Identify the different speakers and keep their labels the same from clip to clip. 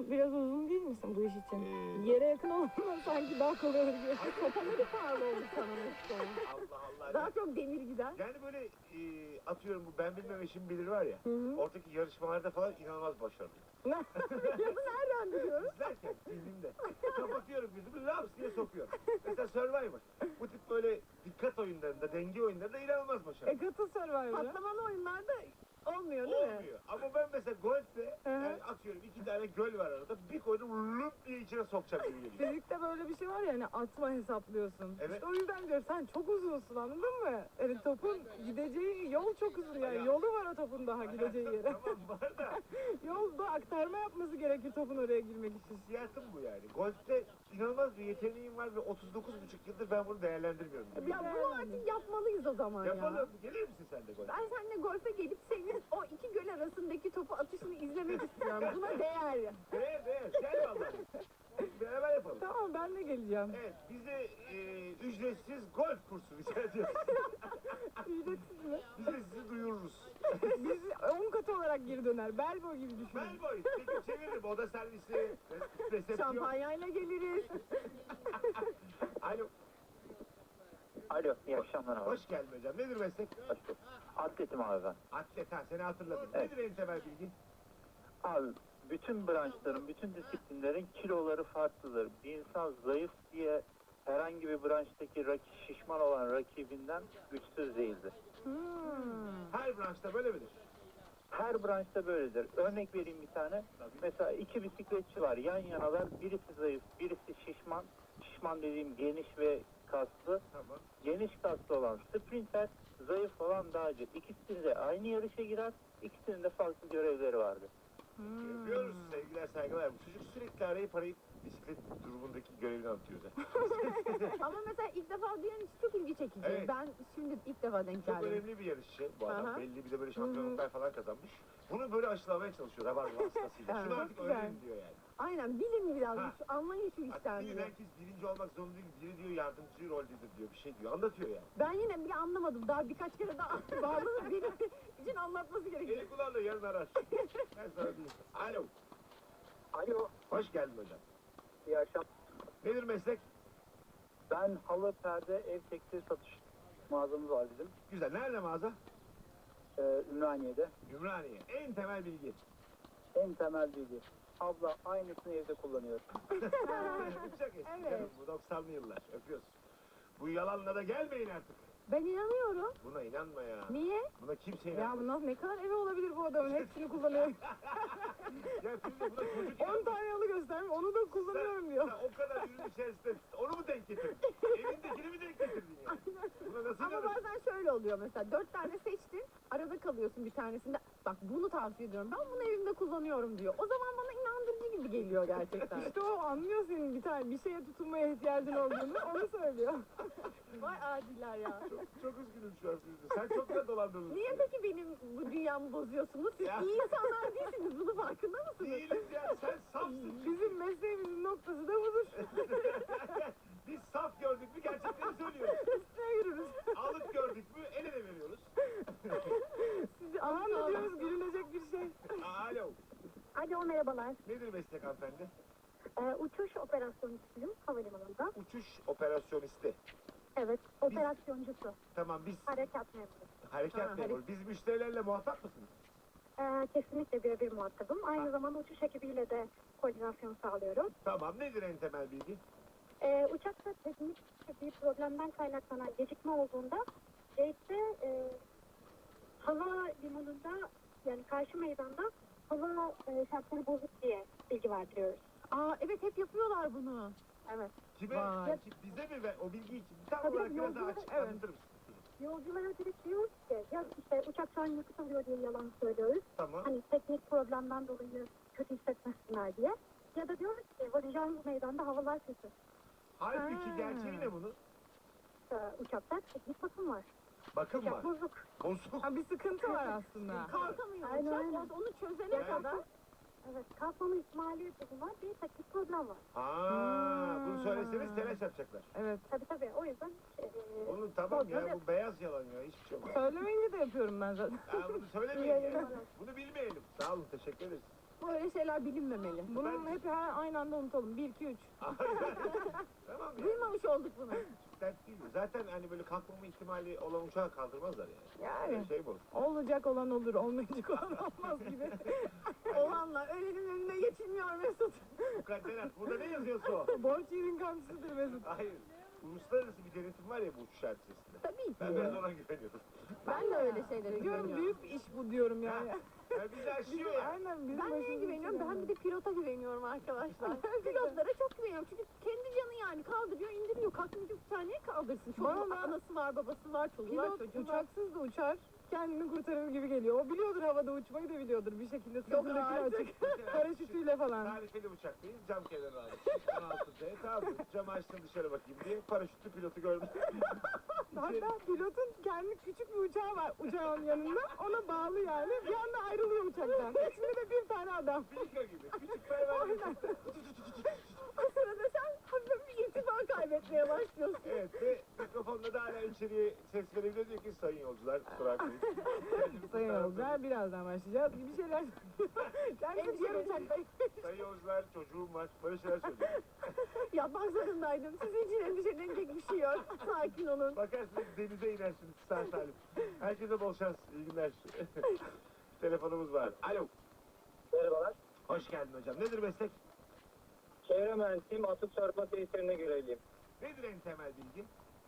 Speaker 1: Sen biraz uzun değil misin bu iş için? Yere yakın olmadan sanki daha kolay olur gibi.
Speaker 2: Kafaları pahalı oldu sana mesela.
Speaker 3: Allah Allah.
Speaker 2: Daha çok demir gider.
Speaker 3: Yani böyle atıyorum bu ben bilmem eşim bilir var ya.
Speaker 2: Hı.
Speaker 3: Oradaki yarışmalarda falan inanılmaz başarılı.
Speaker 2: Ya nereden biliyoruz?
Speaker 3: İzlerken filmimde kapatıyorum gözümü laps diye sokuyorum. Mesela Survivor. Bu tip böyle dikkat oyunlarında, denge oyunlarında inanılmaz başarılı.
Speaker 1: Katıl Survivor'a.
Speaker 2: Patlamalı oyunlarda olmuyor değil mi?
Speaker 3: Olmuyor. Ama ben mesela golfte yani atıyorum 2 tane göl var arada. Bir koydum lup diye içine sokacak gibi geliyor.
Speaker 1: Fizikte böyle bir şey var ya hani atma hesaplıyorsun.
Speaker 3: Evet.
Speaker 1: İşte o yüzden diyorum sen çok uzunsun anladın mı? Yani topun gideceği yol çok uzun yani.
Speaker 3: Ya.
Speaker 1: Yolu var o topun daha gideceği yere.
Speaker 3: Tamam var da
Speaker 1: Yolda aktarma yapması gerekir topun oraya girmek için.
Speaker 3: hissiyatım bu yani. Golfte inanılmaz bir yeteneğim var ve 39,5 yıldır ben bunu değerlendirmiyorum.
Speaker 2: Ya bunu artık yapmalıyız o zaman ya.
Speaker 3: Yapalım. Gelir misin sen de golfe?
Speaker 2: Ben seninle golfe gelip senin o iki göl arasındaki topu atışını izlemek istiyorum. Buna değer.
Speaker 3: Değer. Gel vallahi. Beraber yapalım.
Speaker 1: Tamam ben de geleceğim.
Speaker 3: Evet, bize ücretsiz golf kursu rica ediyoruz.
Speaker 1: Ücretsiz mi?
Speaker 3: Biz de sizi duyururuz.
Speaker 1: Biz 10 katı olarak geri döner. Belbo gibi düşünün.
Speaker 3: Ben boy, çekip çeviririm. Oda servisi, resepsiyon.
Speaker 2: Şampanyayla geliriz.
Speaker 3: Alo,
Speaker 4: Alo, iyi akşamlar abi.
Speaker 3: hoş geldin hocam. Nedir meslek?
Speaker 4: Hoş bulduk. Atletim abi ben.
Speaker 3: Atlet, ha seni hatırladım.
Speaker 4: Evet.
Speaker 3: Nedir en temel bilgi?
Speaker 4: Abi, bütün branşların, bütün disiplinlerin kiloları farklıdır. Bir insan zayıf diye herhangi bir branştaki şişman olan rakibinden güçsüz değildir.
Speaker 3: Her branşta böyle midir?
Speaker 4: Her branşta böyledir. Örnek vereyim bir tane. Mesela iki bisikletçi var, yan yanalar. Birisi zayıf, birisi şişman. Şişman dediğim geniş ve kaslı.
Speaker 3: Tamam.
Speaker 4: Geniş kaslı olan sprinter, zayıf olan dağcı. İkisi de aynı yarışa girer. İkisinin de farklı görevleri vardır.
Speaker 3: Yapıyoruz sevgiler saygılar. Bu çocuk sürekli arayıp bisiklet durumundaki görevini anlatıyor da.
Speaker 2: Ama mesela ilk defa duyan için çok ilgi çekici.
Speaker 3: Evet.
Speaker 2: Ben şimdi ilk defa denk
Speaker 3: Çok
Speaker 2: geldim.
Speaker 3: önemli bir yarışçı bu adam.
Speaker 2: Aha.
Speaker 3: Belli bir de böyle şampiyonluklar falan kazanmış. Bunu böyle aşılamaya çalışıyor. Rabarba hastasıyla. Şunu
Speaker 1: Çok
Speaker 3: artık
Speaker 1: güzel.
Speaker 3: öğrenin diyor yani.
Speaker 2: Aynen bilin biraz.
Speaker 3: Ha.
Speaker 2: Anlayın şu işten
Speaker 3: Artık bilin
Speaker 2: diyor.
Speaker 3: herkes birinci olmak zorunda değil. Biri diyor yardımcı roldedir diyor. Bir şey diyor. Anlatıyor yani.
Speaker 2: Ben yine bile anlamadım. Daha birkaç kere daha bağlanıp benim için anlatması gerekiyor.
Speaker 3: Eli kulağında yarın arar. Ben sana diyeyim. Alo.
Speaker 4: Alo,
Speaker 3: Hoş geldin hocam.
Speaker 4: iyi akşamlar.
Speaker 3: Nedir meslek?
Speaker 4: Ben halı, perde, ev tekstil satış mağazamız var bizim.
Speaker 3: Güzel. Nerede mağaza?
Speaker 4: Ümraniye'de.
Speaker 3: Ümraniye. En temel bilgi.
Speaker 4: En temel bilgi. Abla aynısını evde kullanıyor.
Speaker 3: Çok eski canım. Bu 90'lı yıllar. Öpüyoruz. Bu yalanla da gelmeyin artık.
Speaker 2: Ben inanıyorum.
Speaker 3: Buna inanma ya.
Speaker 2: Niye?
Speaker 3: Buna kimse
Speaker 1: Ya
Speaker 3: inanmaz.
Speaker 1: bu nasıl ne kadar evi olabilir bu adamın hepsini kullanıyor.
Speaker 3: Ya şimdi buna çocuk
Speaker 1: 10 tane yalı göstermiş onu da kullanıyorum diyor.
Speaker 3: Sen o kadar ürün içerisinde onu mu denk getirdin? Evindekini mi denk getirdin ya? Buna nasıl
Speaker 2: Ama
Speaker 3: inanırsın?
Speaker 2: bazen şöyle oluyor mesela 4 tane seçtin arada kalıyorsun bir tanesinde bak bunu tavsiye ediyorum ben bunu evimde kullanıyorum diyor. O zaman bana inandırıcı gibi geliyor gerçekten.
Speaker 1: İşte o anlıyor senin bir tane bir şeye tutunmaya ihtiyacın olduğunu onu söylüyor.
Speaker 2: Vay adiler ya.
Speaker 3: Çok üzgünüm şu an sizi. Sen çok da dolandırıldın.
Speaker 2: Niye peki benim bu dünyamı bozuyorsunuz? Siz
Speaker 3: Ya.
Speaker 2: iyi insanlar değilsiniz. Bunun farkında mısınız?
Speaker 3: Değiliz ya. Sen safsın.
Speaker 1: Bizim mesleğimizin noktası da budur.
Speaker 3: Biz saf gördük mü gerçekleri söylüyoruz.
Speaker 1: Üstüne yürürüz.
Speaker 3: Alık gördük mü el ele veriyoruz.
Speaker 1: Sizi anlatıyoruz gülünecek bir şey.
Speaker 3: Alo.
Speaker 5: Alo merhabalar.
Speaker 3: Nedir meslek hanımefendi?
Speaker 5: Uçuş operasyoncusu'yum havalimanında.
Speaker 3: Uçuş operasyonisti.
Speaker 5: Evet, operasyoncusu.
Speaker 3: Tamam biz
Speaker 5: Harekat memuru.
Speaker 3: harekat memuru. Biz müşterilerle muhatap mısınız?
Speaker 5: Kesinlikle birebir muhatabım. Aynı zamanda uçuş ekibiyle de koordinasyon sağlıyorum.
Speaker 3: Tamam nedir en temel bilgi?
Speaker 5: Uçakta teknik bir problemden kaynaklanan gecikme olduğunda gate'de hava limanında yani karşı meydanda hava şartları bozuk diye bilgi verdiriyoruz.
Speaker 2: Aa evet hep yapıyorlar bunu.
Speaker 5: Evet.
Speaker 3: Kime?
Speaker 1: Vay.
Speaker 3: Bize mi? O bilgiyi tam
Speaker 5: Tabii,
Speaker 3: olarak biraz daha
Speaker 5: yolculara-
Speaker 3: açık
Speaker 1: evet.
Speaker 3: anlatır mısın?
Speaker 5: Yolculara direkt diyoruz ki ya işte uçak şu an yakıt alıyor diye yalan söylüyoruz.
Speaker 3: Tamam.
Speaker 5: Hani teknik problemden dolayı kötü hissetmesinler diye. Ya da diyoruz ki varacağımız meydanda havalar kötü.
Speaker 3: Halbuki
Speaker 1: Ha.
Speaker 3: gerçeği ne bunun?
Speaker 5: Uçakta teknik bakım var.
Speaker 3: Bakım var.
Speaker 5: Uçak bozuk.
Speaker 3: Bozuk.
Speaker 1: Ha bir sıkıntı var aslında.
Speaker 2: Kalkamıyor
Speaker 5: Aynen,
Speaker 2: uçak.
Speaker 5: aynen.
Speaker 2: Onu çözene
Speaker 3: Yani-
Speaker 2: kadar.
Speaker 5: Evet, kalkmama ihtimali bulunan bir teknik problem var.
Speaker 3: Bunu söyleseniz telaş yapacaklar.
Speaker 1: Evet.
Speaker 5: Tabii o yüzden
Speaker 3: Onu tamam ya
Speaker 5: Problem
Speaker 3: bu beyaz yalan ya hiçbir şey olmaz.
Speaker 1: Söylemeyince de yapıyorum ben zaten.
Speaker 3: Bunu söylemeyin ya. Bunu bilmeyelim. Sağ olun teşekkür ederiz.
Speaker 2: Böyle şeyler bilinmemeli.
Speaker 1: Bunun hep aynı anda unutalım. 1, 2, 3.
Speaker 3: Tamam ya.
Speaker 2: Duymamış olduk bunu.
Speaker 3: Dert değil. Zaten hani böyle kalkmama ihtimali olan uçağı kaldırmazlar yani.
Speaker 1: Yani.
Speaker 3: Öyle şey bu.
Speaker 1: Olacak olan olur, olmayacak olan olmaz gibi.
Speaker 2: Olanla ölenin önüne geçilmiyor Mesut.
Speaker 3: Mukadderat. Burada ne yazıyorsa o.
Speaker 1: Borç yerin kamçısıdır Mesut.
Speaker 3: Hayır. Uluslararası bir denetim var ya bu uçuş hadisesinde.
Speaker 2: Tabii ki.
Speaker 3: Ben biraz ona güveniyorum.
Speaker 2: Ben de öyle şeylere
Speaker 1: Diyorum
Speaker 2: güveniyorum.
Speaker 1: büyük bir iş bu diyorum yani.
Speaker 3: Yani bizi aşıyor ya.
Speaker 1: Aynen bizim
Speaker 2: Ben neye
Speaker 1: başımıza
Speaker 2: güveniyorum?
Speaker 1: şey
Speaker 2: Ben bir de pilota güveniyorum arkadaşlar. Pilotlara çok güveniyorum. Çünkü kendi canı yani kaldırıyor, indiriyor. Kalkmayacak bir tane kaldırsın. Çocuğun
Speaker 1: Bana-
Speaker 2: anası var, babası var, çoluğu var,
Speaker 1: Pilot
Speaker 2: çocuğu var.
Speaker 1: uçaksız da uçar. Kendini kurtarır gibi geliyor. O biliyordur havada uçmayı da biliyordur bir şekilde. Sırtındakini
Speaker 2: artık.
Speaker 1: açık. Paraşütüyle falan.
Speaker 3: Tarifeli uçaktayız. Cam kenarı aldık. 16'da tamam mı? Camı açtım dışarı bakayım diye. Paraşütlü pilotu gördüm.
Speaker 1: Hatta pilotun kendi küçük bir uçağı var uçağın yanında. Ona bağlı yani. Bir anda ayrılıyor uçaktan. İçinde de bir tane adam.
Speaker 3: Bilika gibi. Küçük pervane.
Speaker 1: Aynen.
Speaker 2: O sırada sen hafif bir irtifa kaybetmeye başlıyorsun.
Speaker 3: Evet ve mikrofonla da hala içeriye ses verebiliyor diyor ki sayın yolcular kusura bakmayın.
Speaker 1: Sayın yolcular birazdan başlayacağız. Bir şeyler kendisi diğer uçaktayım.
Speaker 3: Sayın yolcular çocuğum var. Böyle şeyler söylüyor.
Speaker 2: Yapmak zorundaydım. Sizin için endişelenecek bir şey yok. Sakin olun.
Speaker 3: Bakarsınız denize inersiniz sağ salim. Herkese bol şans. İyi günler. Telefonumuz var. Alo.
Speaker 4: Merhabalar.
Speaker 3: Hoş geldin hocam. Nedir meslek?
Speaker 4: Çevre mühendisiyim, atık çarpma tesislerine görevliyim.
Speaker 3: Nedir en temel bilgi?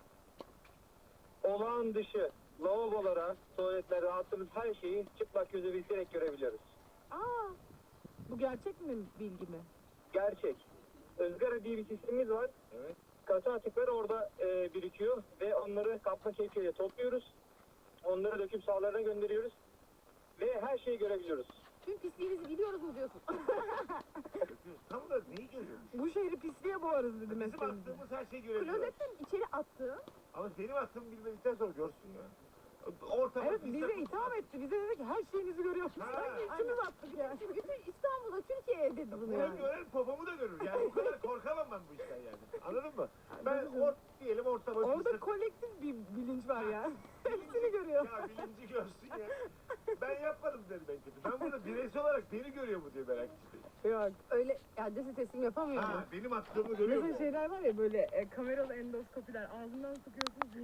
Speaker 4: Olağan dışı lavabolara, tuvaletlere attığımız her şeyi çıplak gözü bildirerek görebiliyoruz.
Speaker 1: Aa, bu gerçek mi bilgi mi?
Speaker 4: Gerçek. Izgara diye bir sistemimiz var.
Speaker 3: Evet.
Speaker 4: Katı atıklar orada birikiyor ve onları kapma kepçeyle topluyoruz. Onları döküm sahalarına gönderiyoruz. Ve her şeyi görebiliyoruz.
Speaker 2: Tüm pisliğinizi biliyoruz mu diyorsun?
Speaker 3: Tam da neyi görüyormuş?
Speaker 1: Bu şehri pisliğe boğarız dedi
Speaker 3: Bizim
Speaker 1: mesleğimiz.
Speaker 3: attığımız her şeyi görebiliyoruz.
Speaker 2: Klozetten içeri attığın
Speaker 3: Ama benim attığımı bilmedikten sonra görsün ya. Ortama
Speaker 1: Evet
Speaker 3: bir
Speaker 1: bize
Speaker 3: takım-
Speaker 1: itham etti. Bize dedi ki her şeyinizi görüyoruz.
Speaker 3: Ha.
Speaker 1: Sanki içimiz attık yani.
Speaker 2: bütün İstanbul'da Türkiye'ye dedi bunu
Speaker 3: Bunu
Speaker 2: yani.
Speaker 3: gören popomu da görür. Yani bu kadar korkamam ben bu işten yani. Anladın mı? Ben
Speaker 1: Anladım.
Speaker 3: diyelim ortama bir
Speaker 1: Orada
Speaker 3: sırt-
Speaker 1: kolektif bir bilinç var ya. Hepsini görüyor.
Speaker 3: Ya bilinci görsün ya. Ben yapmadım dedim en kötü. Ben burada bireysel olarak beni görüyor mu diye merak ettim.
Speaker 1: Yok.
Speaker 2: Öyle adresi teslim yapamıyor mu?
Speaker 3: Ha benim attığımı görüyor mu?
Speaker 1: Mesela şeyler var ya böyle kameralı endoskopiler. Ağzından sıkıyorsunuz.